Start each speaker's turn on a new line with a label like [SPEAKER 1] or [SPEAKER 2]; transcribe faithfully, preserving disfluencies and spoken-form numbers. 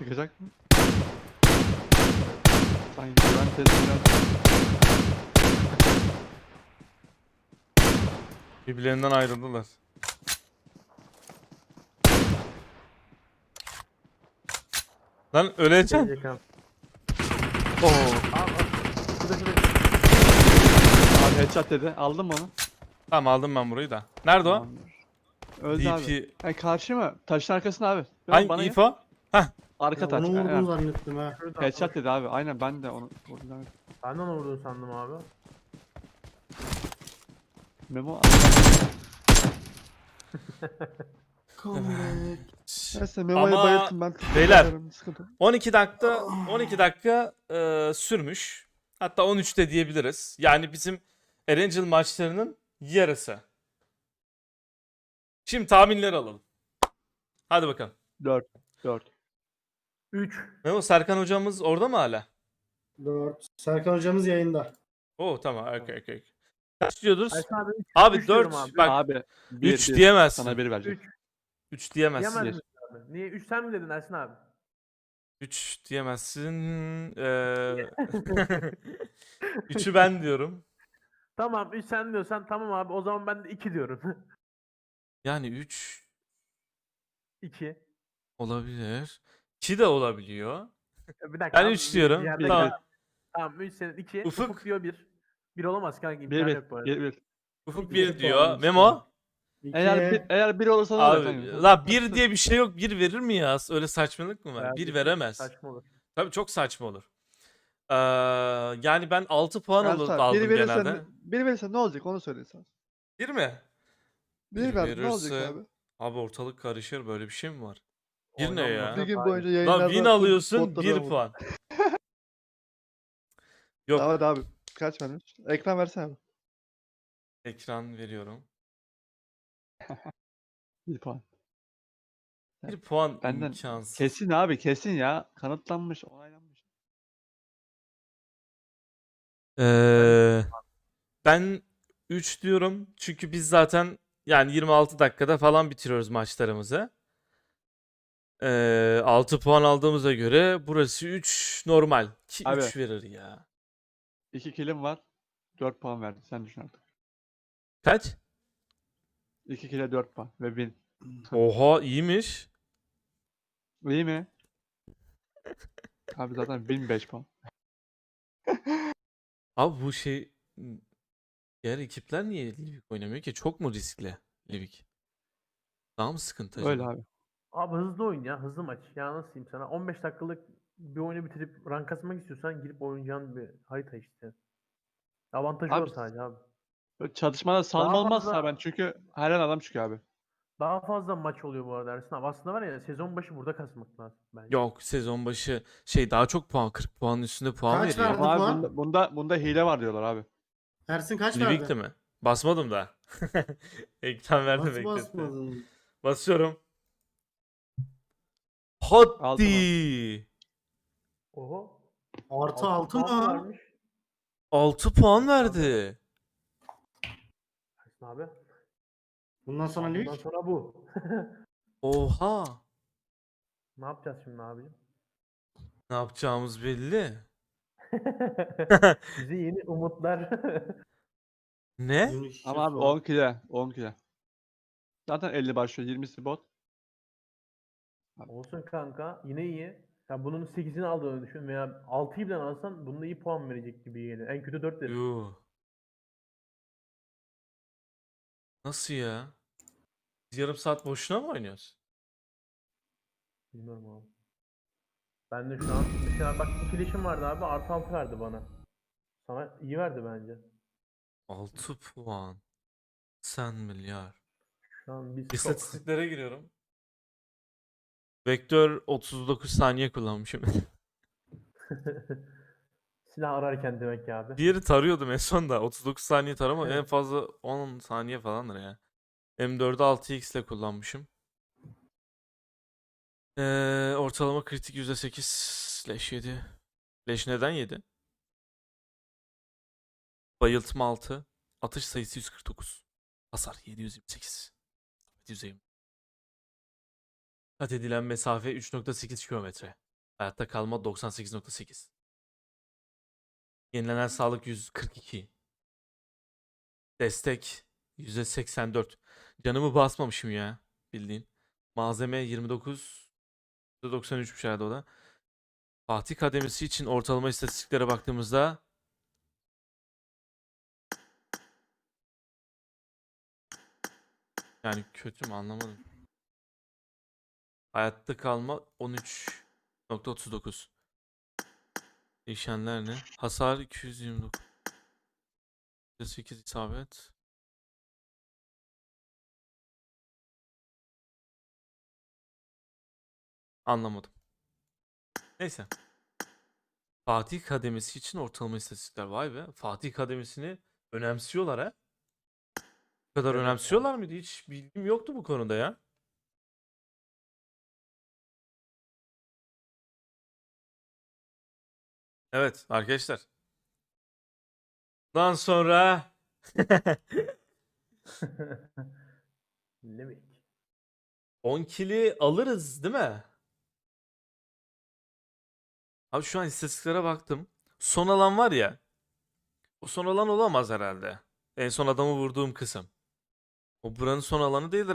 [SPEAKER 1] Çıkacak mı? Sanki güven testinden
[SPEAKER 2] Birbirlerinden ayrıldılar. Lan öleceksin.
[SPEAKER 3] Gelecek abi.
[SPEAKER 2] Oo.
[SPEAKER 3] Abi, abi. Şurada şurada.
[SPEAKER 1] abi headshot dedi. Aldın mı onu?
[SPEAKER 2] Tamam aldım ben burayı da. Nerede o?
[SPEAKER 1] Tamamdır. Öldü abi.
[SPEAKER 2] D P.
[SPEAKER 1] Ha, karşı mı? Taşın arkasına abi. Dön
[SPEAKER 2] Hangi
[SPEAKER 1] bana gel.
[SPEAKER 2] info? Heh.
[SPEAKER 1] Arka
[SPEAKER 4] Ya
[SPEAKER 1] taç.
[SPEAKER 4] onu vurdun
[SPEAKER 1] Aynen.
[SPEAKER 4] zannettim ha.
[SPEAKER 3] Şurada.
[SPEAKER 1] Headshot dedi abi. Aynen ben de onu vurdum abi.
[SPEAKER 3] Ben de onu vurdun sandım abi.
[SPEAKER 1] Memo.
[SPEAKER 4] Comeback.
[SPEAKER 1] Neyse Memo'yu
[SPEAKER 2] Ama
[SPEAKER 1] bayılttım ben.
[SPEAKER 2] beyler,
[SPEAKER 1] Sıkıntı yok.
[SPEAKER 2] on iki dakika on iki dakika e, sürmüş. Hatta on üç de diyebiliriz. Yani bizim Erangel maçlarının yarısı. Şimdi tahminleri alalım. Hadi bakalım.
[SPEAKER 1] dört. dört.
[SPEAKER 3] üç.
[SPEAKER 2] Memo Serkan hocamız orada mı hala?
[SPEAKER 4] dört. Serkan hocamız yayında.
[SPEAKER 2] Oo tamam. Okay, okay. Kaç diyordunuz?
[SPEAKER 3] Ersin abi üç.
[SPEAKER 2] Abi
[SPEAKER 3] üç diyorum
[SPEAKER 2] dört.
[SPEAKER 3] abi.
[SPEAKER 2] Bak
[SPEAKER 1] Abi. bir,
[SPEAKER 2] üç
[SPEAKER 1] bir.
[SPEAKER 2] diyemezsin.
[SPEAKER 1] Sana bir verecek.
[SPEAKER 3] üç.
[SPEAKER 2] üç diyemezsin.
[SPEAKER 3] Diyemez misin abi? Niye? üç sen mi dedin Ersin abi?
[SPEAKER 2] üç diyemezsin. Ee, üçü ben diyorum.
[SPEAKER 3] Tamam üç sen diyorsan tamam abi. O zaman ben de iki diyorum.
[SPEAKER 2] Yani üç
[SPEAKER 3] iki.
[SPEAKER 2] olabilir. iki de olabiliyor.
[SPEAKER 3] Bir dakika.
[SPEAKER 2] Ben
[SPEAKER 3] abi,
[SPEAKER 2] üç
[SPEAKER 3] bir-
[SPEAKER 2] diyorum.
[SPEAKER 3] bir yerde
[SPEAKER 2] Tamam.
[SPEAKER 3] kal- Tamam üç senin iki.
[SPEAKER 2] Ufuk.
[SPEAKER 3] Ufuk. diyor bir. bir olamaz kanka.
[SPEAKER 1] bir
[SPEAKER 3] İmkanı
[SPEAKER 1] bir.
[SPEAKER 3] yok bu arada.
[SPEAKER 1] bir bir.
[SPEAKER 2] Ufuk
[SPEAKER 3] İki
[SPEAKER 2] bir
[SPEAKER 4] puan
[SPEAKER 2] diyor.
[SPEAKER 4] işte.
[SPEAKER 2] Memo?
[SPEAKER 4] İki.
[SPEAKER 1] Eğer bir, eğer bir olursa ne olacak
[SPEAKER 2] Abi
[SPEAKER 1] kanka?
[SPEAKER 2] la bir diye bir şey yok. Bir verir mi ya? Öyle saçmalık mı var?
[SPEAKER 3] Eğer
[SPEAKER 2] Bir
[SPEAKER 3] bir-
[SPEAKER 2] veremez.
[SPEAKER 3] Saçma olur.
[SPEAKER 2] Tabii çok saçma olur. Ee, yani ben altı puan
[SPEAKER 1] Ersin
[SPEAKER 2] al-
[SPEAKER 1] abi,
[SPEAKER 2] aldım
[SPEAKER 1] biri verirsen,
[SPEAKER 2] genelde.
[SPEAKER 1] biri verirsen ne olacak onu söyle sen.
[SPEAKER 2] Bir mi?
[SPEAKER 1] Bir
[SPEAKER 2] Bir
[SPEAKER 1] ver ne olacak
[SPEAKER 2] verirse-
[SPEAKER 1] abi?
[SPEAKER 2] Abi ortalık karışır. Böyle bir şey mi var? Bir ne
[SPEAKER 3] Oynanmaz
[SPEAKER 2] ya?
[SPEAKER 1] Bir
[SPEAKER 3] abi.
[SPEAKER 1] gün boyunca
[SPEAKER 2] Lan
[SPEAKER 1] yayınlarda
[SPEAKER 2] win
[SPEAKER 1] full
[SPEAKER 2] alıyorsun
[SPEAKER 1] botlarına
[SPEAKER 2] bir
[SPEAKER 1] vur.
[SPEAKER 2] puan. Yok.
[SPEAKER 1] Tamam hadi abi. Kaç vermiş? Ekran versene abi.
[SPEAKER 2] Ekran veriyorum.
[SPEAKER 1] Bir puan.
[SPEAKER 2] Bir puan
[SPEAKER 1] Benden
[SPEAKER 2] imkansız.
[SPEAKER 1] Kesin abi kesin ya. Kanıtlanmış, onaylanmış.
[SPEAKER 2] Ee, ben üç diyorum. Çünkü biz zaten yani yirmi altı dakikada falan bitiriyoruz maçlarımızı. Ee, altı puan aldığımıza göre burası üç normal. Ki
[SPEAKER 1] Abi.
[SPEAKER 2] üç verir ya.
[SPEAKER 1] İki kilim var. Dört puan verdi. Sen düşün artık.
[SPEAKER 2] Kaç?
[SPEAKER 1] İki kile dört puan ve bin.
[SPEAKER 2] Oha iyiymiş.
[SPEAKER 1] İyi mi? Abi zaten bin beş puan.
[SPEAKER 2] Abi bu şey diğer ekipler niye Livik oynamıyor ki? Çok mu riskli Livik? Daha mı sıkıntı acaba?
[SPEAKER 1] Öyle abi.
[SPEAKER 3] Abi hızlı oyun ya. Hızlı maç. Ya nasıl diyeyim sana? on beş dakikalık bir oyunu bitirip rank kasmak istiyorsan girip oynayacağın bir harita işte. Avantajı
[SPEAKER 1] Abi,
[SPEAKER 3] o sadece abi.
[SPEAKER 1] Böyle çatışmada salma
[SPEAKER 3] Daha
[SPEAKER 1] olmazsa
[SPEAKER 3] fazla-
[SPEAKER 1] ben çünkü her an adam çıkıyor abi.
[SPEAKER 3] Daha fazla maç oluyor bu arada Ersin abi. Aslında var ya sezon başı burada kasmak lazım bence.
[SPEAKER 2] Yok sezon başı şey daha çok puan kırk puanın üstünde puan
[SPEAKER 4] Kaç
[SPEAKER 2] veriyor.
[SPEAKER 4] verdi?
[SPEAKER 1] Ama abi
[SPEAKER 4] puan?
[SPEAKER 1] bunda, bunda, bunda hile var diyorlar abi.
[SPEAKER 4] Ersin kaç
[SPEAKER 2] Livik'te
[SPEAKER 4] verdi?
[SPEAKER 2] mi? Basmadım da. Ekran verdi
[SPEAKER 4] Nasıl
[SPEAKER 2] bekletti.
[SPEAKER 4] basmadın?
[SPEAKER 2] Basıyorum.
[SPEAKER 1] Aldım
[SPEAKER 2] Hadi.
[SPEAKER 3] Oho.
[SPEAKER 4] Artı altı
[SPEAKER 3] puan
[SPEAKER 4] mı?
[SPEAKER 3] vermiş.
[SPEAKER 2] altı puan verdi.
[SPEAKER 3] Ersin abi.
[SPEAKER 4] Bundan sonra
[SPEAKER 3] Bundan
[SPEAKER 4] lig.
[SPEAKER 3] sonra bu.
[SPEAKER 2] Oha.
[SPEAKER 3] Ne yapacağız şimdi abicim?
[SPEAKER 2] Ne yapacağımız belli.
[SPEAKER 3] Bize yeni umutlar.
[SPEAKER 2] Ne?
[SPEAKER 1] Ama abi on kile. on kile. Zaten elli başlıyor. yirmisi bot.
[SPEAKER 3] Olsun kanka. Yine iyi. Ya bunun sekizini aldığını düşün veya altıyı bile alsan bunda iyi puan verecek gibi geliyor. En kötü dört verir.
[SPEAKER 2] Yuh. Nasıl ya? Biz yarım saat boşuna mı oynuyoruz?
[SPEAKER 3] Bilmiyorum abi. Ben de şu an mesela bak ikileşim vardı abi artı altı verdi bana. Sana iyi verdi bence.
[SPEAKER 2] altı puan. Sen milyar.
[SPEAKER 3] Şu an biz çok...
[SPEAKER 2] İstatistiklere giriyorum. Vektör otuz dokuz saniye kullanmışım.
[SPEAKER 3] Silah ararken demek ki abi.
[SPEAKER 2] Diğeri tarıyordum en son da. otuz dokuz saniye tarama en fazla on saniye falandır ya. M dördü altı x ile kullanmışım. Ee, ortalama kritik yüzde sekiz slash yedi. Leş neden yedi? Bayıltma altı. Atış sayısı yüz kırk dokuz. Hasar yedi yüz yirmi sekiz. Kat edilen mesafe üç nokta sekiz kilometre. Hayatta kalma doksan sekiz nokta sekiz. Yenilenen sağlık yüz kırk iki. Destek yüzde seksen dört. Canımı basmamışım ya bildiğin. Malzeme yirmi dokuz. yüzde doksan üçmüş herhalde o da. Fatih kademesi için ortalama istatistiklere baktığımızda yani kötü mü anlamadım. Hayatta kalma on üç nokta otuz dokuz. Değişenler ne? Hasar iki yüz yirmi dokuz. yüzde sekiz isabet. Anlamadım. Neyse. Fatih kademesi için ortalama istatistikler. Vay be. Fatih kademesini önemsiyorlar ha. Bu kadar
[SPEAKER 3] Evet abi.
[SPEAKER 2] önemsiyorlar mıydı? Hiç bilgim yoktu bu konuda ya. Evet arkadaşlar. Bundan sonra
[SPEAKER 3] Ne demek?
[SPEAKER 2] on kili alırız değil mi? Abi şu an istatistiklere baktım. Son alan var ya. O son alan olamaz herhalde. En son adamı vurduğum kısım. O buranın son alanı değildir